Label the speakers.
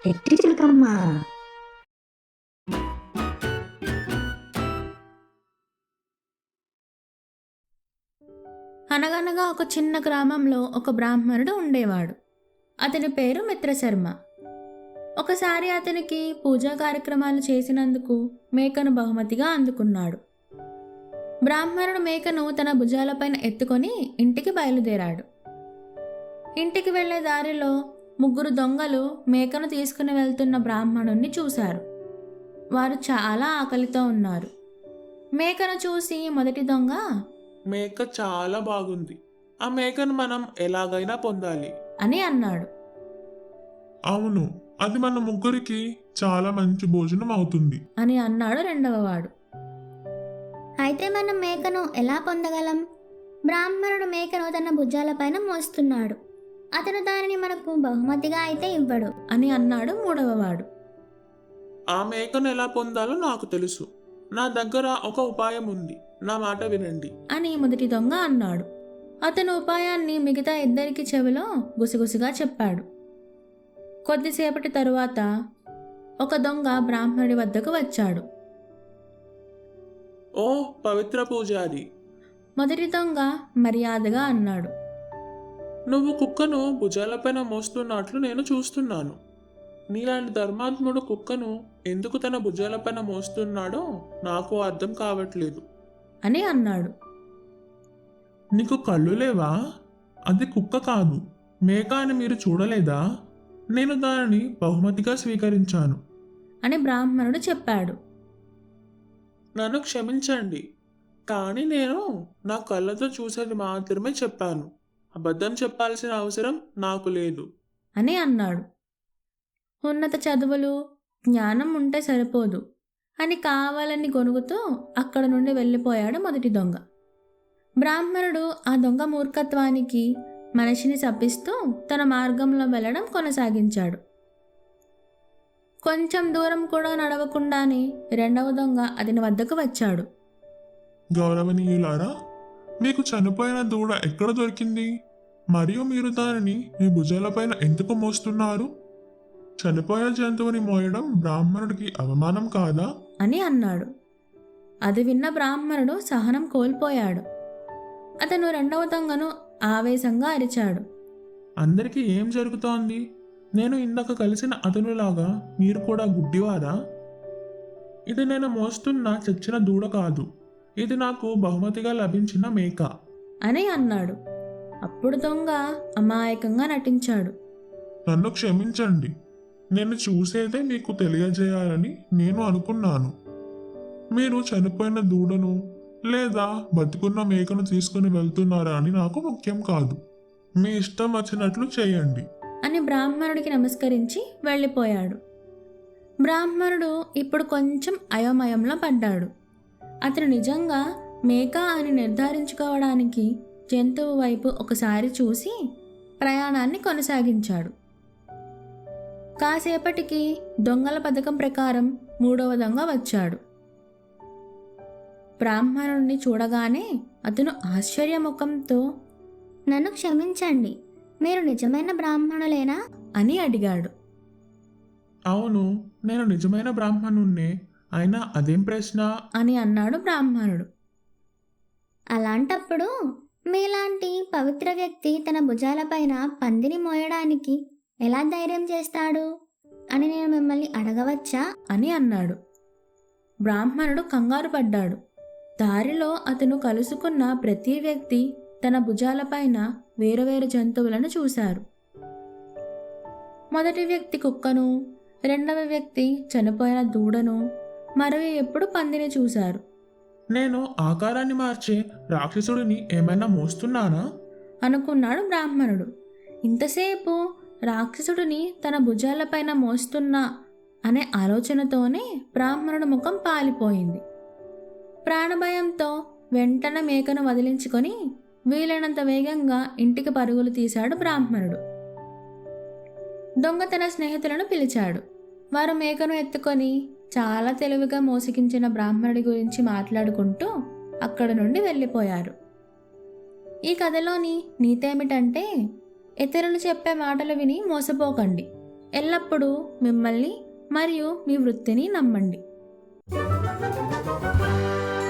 Speaker 1: ఎట్టి చిలకమ్మ.
Speaker 2: అనగనగా ఒక చిన్న గ్రామంలో ఒక బ్రాహ్మణుడు ఉండేవాడు. అతని పేరు మిత్రశర్మ. ఒకసారి అతనికి పూజా కార్యక్రమాలు చేసినందుకు మేకను బహుమతిగా అందుకున్నాడు. బ్రాహ్మణుడు మేకను తన భుజాలపైన ఎత్తుకొని ఇంటికి బయలుదేరాడు. ఇంటికి వెళ్లే దారిలో ముగ్గురు దొంగలు మేకను తీసుకుని వెళ్తున్న బ్రాహ్మణుణ్ణి చూశారు. వారు చాలా ఆకలితో ఉన్నారు. మేకను చూసి మొదటి దొంగ,
Speaker 3: మేక చాలా బాగుంది. ఆ మేకను మనం ఎలాగైనా పొందాలి.
Speaker 2: అని అన్నాడు.
Speaker 4: అవును, అది మన ముగ్గురికి చాలా మంచి భోజనం అవుతుంది.
Speaker 2: అని అన్నాడు రెండవవాడు.
Speaker 5: అయితే మనం మేకను ఎలా పొందగలం? బ్రాహ్మణుడు మేకను తన భుజాలపైన మోస్తున్నాడు. అతను దానిని మనకు బహుమతిగా అయితే ఇవ్వడు.
Speaker 2: అని అన్నాడు మూడవవాడు.
Speaker 3: ఆ మేకను ఎలా పొందాలో నాకు తెలుసు. నా దగ్గర ఒక ఉపాయం ఉంది. నా మాట వినండి.
Speaker 2: అని మొదటి దొంగ అన్నాడు. అతను ఉపాయాన్ని మిగతా ఇద్దరికి చెవిలో గుసగుసగా చెప్పాడు. కొద్దిసేపటి తరువాత ఒక దొంగ బ్రాహ్మణుడి వద్దకు వచ్చాడు.
Speaker 3: ఓ పవిత్ర పూజారి,
Speaker 2: మొదటి దొంగ మర్యాదగా అన్నాడు.
Speaker 3: నువ్వు కుక్కను భుజాలపైన మోస్తున్నట్లు నేను చూస్తున్నాను. నీలాంటి ధర్మాత్ముడు కుక్కను ఎందుకు తన భుజాలపైన మోస్తున్నాడో నాకు అర్థం కావట్లేదు.
Speaker 2: అని అన్నాడు.
Speaker 4: నీకు కళ్ళు లేవా? అది కుక్క కాదు, మేక అని మీరు చూడలేదా? నేను దానిని బహుమతిగా స్వీకరించాను.
Speaker 2: అని బ్రాహ్మణుడు చెప్పాడు.
Speaker 3: నన్ను క్షమించండి, కానీ నేను నా కళ్ళతో చూసేది మాత్రమే చెప్పాను. అబద్ధం చెప్పాల్సిన అవసరం నాకు లేదు.
Speaker 2: అని అన్నాడు. ఉన్నత చదువులు, జ్ఞానం ఉంటే సరిపోదు అని కావాలని గొనుగుతూ అక్కడ నుండి వెళ్ళిపోయాడు మొదటి దొంగ. బ్రాహ్మణుడు ఆ దొంగ మూర్ఖత్వానికి మనిషిని శపిస్తూ తన మార్గంలో వెళ్ళడం కొనసాగించాడు. కొంచెం దూరం కూడా నడవకుండానే రెండవ దొంగ అతని వద్దకు వచ్చాడు.
Speaker 4: గౌరవనీయులారా, మీకు చనిపోయిన దూడ ఎక్కడ దొరికింది? మరియు మీరు దానిని మీ భుజాలపైన ఎందుకు మోస్తున్నారు? చనిపోయిన జంతువుని మోయడం బ్రాహ్మణుడికి అవమానం కాదా?
Speaker 2: అని అన్నాడు. అది విన్న బ్రాహ్మణుడు సహనం కోల్పోయాడు. అతను రెండవ దొంగను ఆవేశంగా అరిచాడు.
Speaker 4: అందరికీ ఏం జరుగుతోంది? నేను ఇందాక కలిసిన అతనులాగా మీరు కూడా గుడ్డివారా? ఇది నేను మోస్తున్న చచ్చిన దూడ కాదు, ఇది నాకు బహుమతిగా లభించిన మేక.
Speaker 2: అని అన్నాడు. అప్పుడు దొంగ అమాయకంగా నటించాడు.
Speaker 4: నన్ను క్షమించండి, నేను చూసేదే మీకు తెలియజేయాలని నేను అనుకున్నాను. మీరు చనిపోయిన దూడను లేదా బతికున్న మేకను తీసుకుని వెళ్తున్నారా అని నాకు ముఖ్యం కాదు. మీ ఇష్టం వచ్చినట్లు చేయండి.
Speaker 2: అని బ్రాహ్మణుడికి నమస్కరించి వెళ్ళిపోయాడు. బ్రాహ్మణుడు ఇప్పుడు కొంచెం అయోమయంలో పడ్డాడు. అతను నిజంగా మేక అని నిర్ధారించుకోవడానికి జంతువు వైపు ఒకసారి చూసి ప్రయాణాన్ని కొనసాగించాడు. కాసేపటికి దొంగల పథకం ప్రకారం మూడవ దొంగ వచ్చాడు. బ్రాహ్మణుడిని చూడగానే అతను ఆశ్చర్యముఖంతో,
Speaker 5: నన్ను క్షమించండి, మీరు నిజమైన బ్రాహ్మణులేనా?
Speaker 2: అని అడిగాడు.
Speaker 4: అవును, నేను నిజమైన బ్రాహ్మణుణ్ణే. అయినా అదేం ప్రశ్న?
Speaker 2: అని అన్నాడు బ్రాహ్మణుడు.
Speaker 5: అలాంటప్పుడు మీలాంటి పవిత్ర వ్యక్తి తన భుజాలపైన పందిని మోయడానికి ఎలా ధైర్యం చేస్తాడు అని నేను మిమ్మల్ని అడగవచ్చా?
Speaker 2: అని అన్నాడు. బ్రాహ్మణుడు కంగారు పడ్డాడు. దారిలో అతను కలుసుకున్న ప్రతి వ్యక్తి తన భుజాలపైన వేరువేరు జంతువులను చూశారు. మొదటి వ్యక్తి కుక్కను, రెండవ వ్యక్తి చనిపోయిన దూడను, మరో ఎప్పుడు పందిని చూశారు.
Speaker 4: నేను ఆకారాన్ని మార్చే రాక్షసుడిని ఏమైనా మోస్తున్నానా?
Speaker 2: అనుకున్నాడు బ్రాహ్మణుడు. ఇంతసేపు రాక్షసుడిని తన భుజాలపైన మోస్తున్నా అనే ఆలోచనతోనే బ్రాహ్మణుడు ముఖం పాలిపోయింది. ప్రాణభయంతో వెంటనే మేకను వదిలించుకొని వీలైనంత వేగంగా ఇంటికి పరుగులు తీశాడు బ్రాహ్మణుడు. దొంగ తన స్నేహితులను పిలిచాడు. వారు మేకను ఎత్తుకొని చాలా తెలివిగా మోసగించిన బ్రాహ్మణుడి గురించి మాట్లాడుకుంటూ అక్కడ నుండి వెళ్ళిపోయారు. ఈ కథలోని నీతేమిటంటే, ఇతరులు చెప్పే మాటలు విని మోసపోకండి. ఎల్లప్పుడూ మిమ్మల్ని మరియు మీ వృత్తిని నమ్మండి.